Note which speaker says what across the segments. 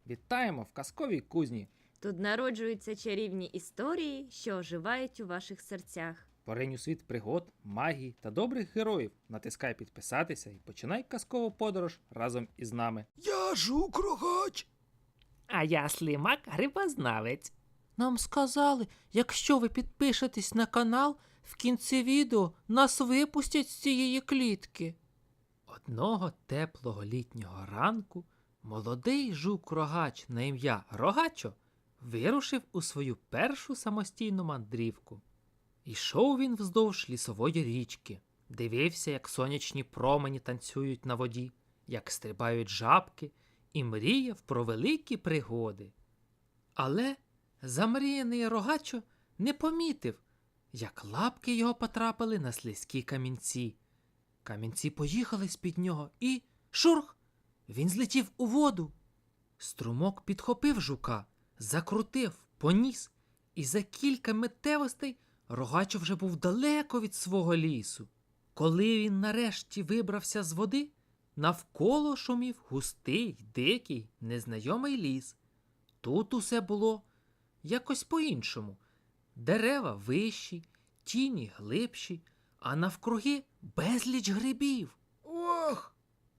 Speaker 1: Вітаємо в казковій кузні.
Speaker 2: Тут народжуються чарівні історії, що оживають у ваших серцях.
Speaker 1: Поринь у світ пригод, магії та добрих героїв. Натискай підписатися і починай казкову подорож разом із нами.
Speaker 3: Я Жук-Рогач.
Speaker 4: А я Слимак Грибознавець.
Speaker 5: Нам сказали, якщо ви підпишетесь на канал, в кінці відео нас випустять з цієї клітки. Одного теплого літнього ранку молодий жук-рогач на ім'я Рогачо вирушив у свою першу самостійну мандрівку. Ішов він вздовж лісової річки, дивився, як сонячні промені танцюють на воді, як стрибають жабки, і мріяв про великі пригоди. Але замріяний Рогачо не помітив, як лапки його потрапили на слизькі камінці. Камінці поїхали з-під нього і шурх! Він злетів у воду. Струмок підхопив жука, закрутив, поніс, і за кілька миттєвостей Рогачо вже був далеко від свого лісу. Коли він нарешті вибрався з води, навколо шумів густий, дикий, незнайомий ліс. Тут усе було якось по-іншому. Дерева вищі, тіні глибші, а навкруги безліч грибів.
Speaker 3: Ох,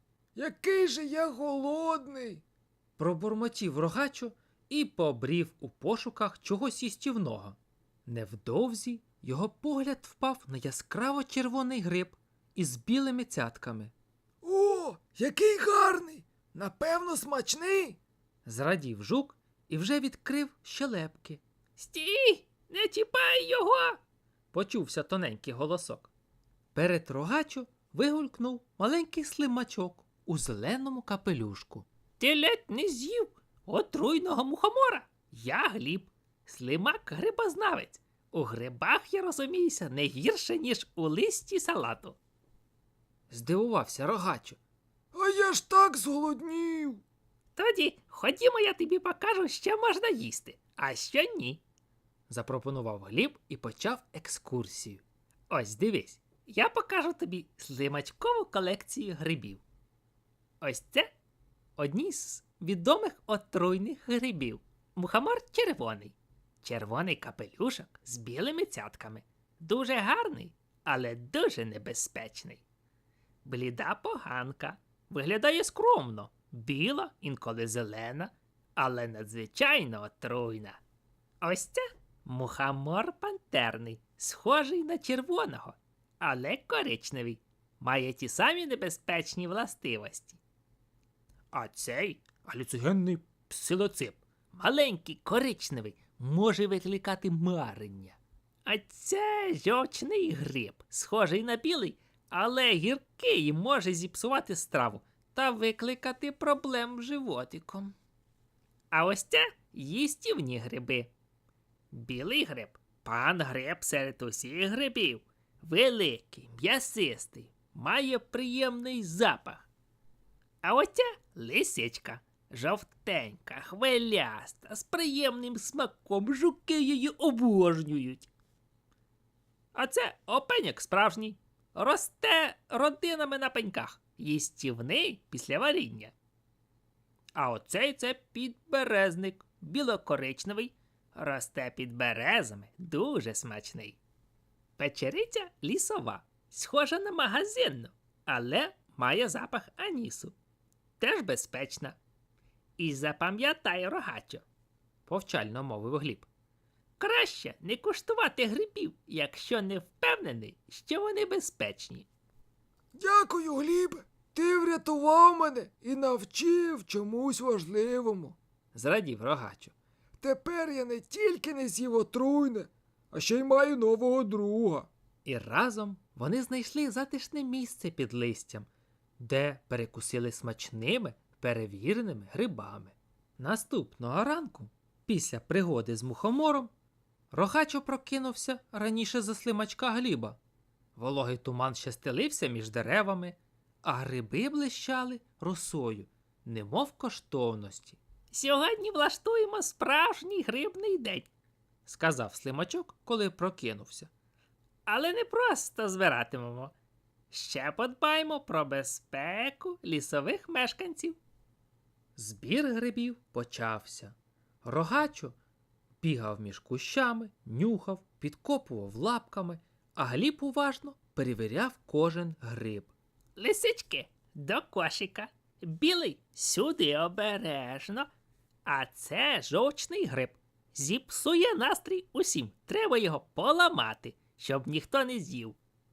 Speaker 3: який же я голодний.
Speaker 5: Пробурмотів Рогачо і побрів у пошуках чогось їстівного. Невдовзі його погляд впав на яскраво червоний гриб із білими цятками.
Speaker 3: О, який гарний. Напевно, смачний.
Speaker 5: Зрадів жук і вже відкрив щелепки.
Speaker 4: Стій! Не чіпай його!
Speaker 5: Почувся тоненький голосок. Перед Рогачо вигулькнув маленький слимачок у зеленому капелюшку.
Speaker 4: Ти ледь не з'їв отруйного мухомора. Я Гліб, Слимак Грибознавець. У грибах я розуміюся не гірше, ніж у листі салату.
Speaker 5: Здивувався Рогачо.
Speaker 3: А я ж так зголоднів.
Speaker 4: Тоді ходімо, я тобі покажу, що можна їсти, а що ні.
Speaker 5: Запропонував Гліб і почав екскурсію.
Speaker 4: Ось дивись, я покажу тобі слимачкову колекцію грибів. Ось це одні з відомих отруйних грибів. Мухомор червоний. Червоний капелюшок з білими цятками. Дуже гарний, але дуже небезпечний. Бліда поганка. Виглядає скромно. Біла, інколи зелена, але надзвичайно отруйна. Ось це мухомор пантерний, схожий на червоного, але коричневий. Має ті самі небезпечні властивості. А цей галюцигенний псилоцип, маленький, коричневий, може викликати марення. А це жовчний гриб, схожий на білий, але гіркий і може зіпсувати страву та викликати проблем з животиком. А ось це їстівні гриби. Білий гриб – пан гриб серед усіх грибів. Великий, м'ясистий, має приємний запах. А ось ця лисичка – жовтенька, хвиляста, з приємним смаком, жуки її обожнюють. А це опеньок справжній. Росте родинами на пеньках. Їстівний після варіння. А оцей це підберезник, білокоричневий, росте під березами, дуже смачний. Печериця лісова, схожа на магазинну, але має запах анісу. Теж безпечна. І запам'ятай, Рогачо,
Speaker 5: Повчально мовив Гліб.
Speaker 4: краще не куштувати грибів, якщо не впевнений, що вони безпечні.
Speaker 3: Дякую, Глібе. Ти врятував мене і навчив чомусь важливому.
Speaker 5: Зрадів Рогачо.
Speaker 3: Тепер я не тільки не з'їв отруйне, а ще й маю нового друга.
Speaker 5: І разом вони знайшли затишне місце під листям, де перекусили смачними, перевіреними грибами. Наступного ранку, після пригоди з мухомором, Рогачо прокинувся раніше за слимачка Гліба. Вологий туман ще стелився між деревами, а гриби блищали росою, немов коштовності.
Speaker 4: Сьогодні влаштуємо справжній грибний день.
Speaker 5: Сказав слимачок, коли прокинувся.
Speaker 4: Але не просто збиратимемо. Ще подбаємо про безпеку лісових мешканців.
Speaker 5: Збір грибів почався. Рогачо бігав між кущами, нюхав, підкопував лапками, а Гліб уважно перевіряв кожен гриб.
Speaker 4: Лисички, до кошика. Білий сюди обережно. А це жовчний гриб. Зіпсує настрій усім. Треба його поламати, щоб ніхто не з'їв.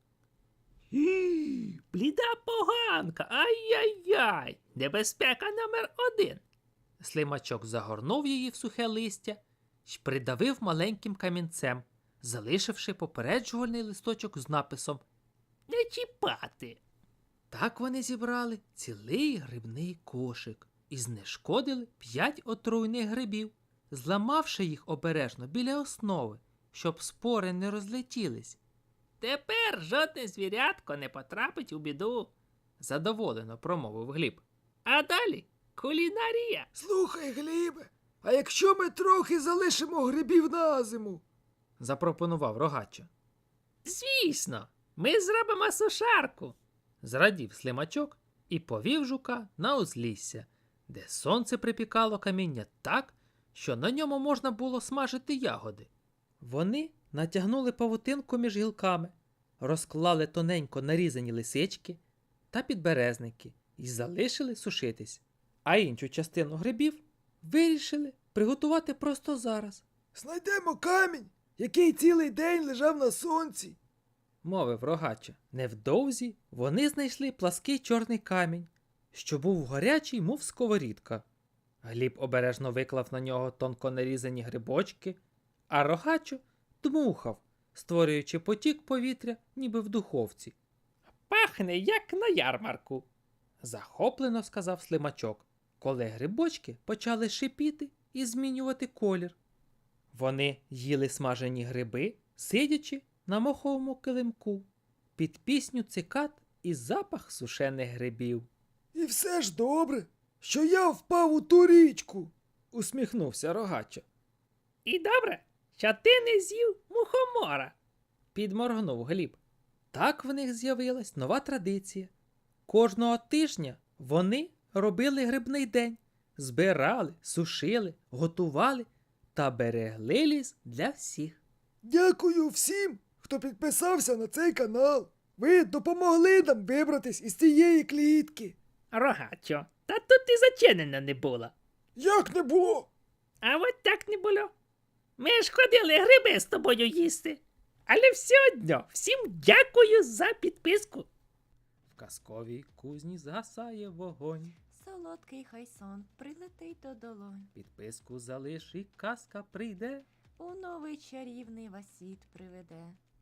Speaker 4: Бліда поганка. Ай-яй-яй. Небезпека номер 1.
Speaker 5: Слимачок загорнув її в сухе листя й придавив маленьким камінцем, залишивши попереджувальний листочок з написом.
Speaker 4: Не чіпати.
Speaker 5: Так вони зібрали цілий грибний кошик і знешкодили 5 отруйних грибів, зламавши їх обережно біля основи, щоб спори не розлетілись.
Speaker 4: Тепер жодне звірятко не потрапить у біду.
Speaker 5: Задоволено промовив Гліб.
Speaker 4: А далі кулінарія.
Speaker 3: Слухай, Глібе, а якщо ми трохи залишимо грибів на зиму?
Speaker 5: Запропонував Рогачо.
Speaker 4: Звісно, ми зробимо сушарку.
Speaker 5: Зрадів Слимачок і повів жука на узлісся, де сонце припікало каміння так, що на ньому можна було смажити ягоди. Вони натягнули павутинку між гілками, розклали тоненько нарізані лисички та підберезники і залишили сушитись. А іншу частину грибів вирішили приготувати просто зараз,
Speaker 3: Знайдемо камінь, який цілий день лежав на сонці.
Speaker 5: мовив Рогачо. Невдовзі вони знайшли плаский чорний камінь, що був гарячий, мов сковорідка. Гліб обережно виклав на нього тонко нарізані грибочки, а Рогачо дмухав, створюючи потік повітря, ніби в духовці.
Speaker 4: Пахне, як на ярмарку.
Speaker 5: Захоплено сказав Слимачок, коли грибочки почали шипіти і змінювати колір. Вони їли смажені гриби, сидячи на моховому килимку, під пісню цикад і запах сушених грибів.
Speaker 3: І все ж добре, що я впав у ту річку.
Speaker 5: Усміхнувся Рогачо.
Speaker 4: І добре, що ти не з'їв мухомора.
Speaker 5: Підморгнув Гліб. Так в них з'явилась нова традиція. Кожного тижня вони робили грибний день, збирали, сушили, готували та берегли ліс для всіх.
Speaker 3: Дякую всім, хто підписався на цей канал. Ви допомогли нам вибратись із цієї клітки.
Speaker 4: Рогачо, та тут і зачинено не було.
Speaker 3: Як не було?
Speaker 4: А от так не було. Ми ж ходили гриби з тобою їсти. Але все одно, всім дякую за підписку.
Speaker 5: В казковій кузні згасає вогонь.
Speaker 2: Солодкий хай сон прилетить до долонь.
Speaker 5: Підписку залиш і казка прийде.
Speaker 2: У новий чарівний вас світ приведе.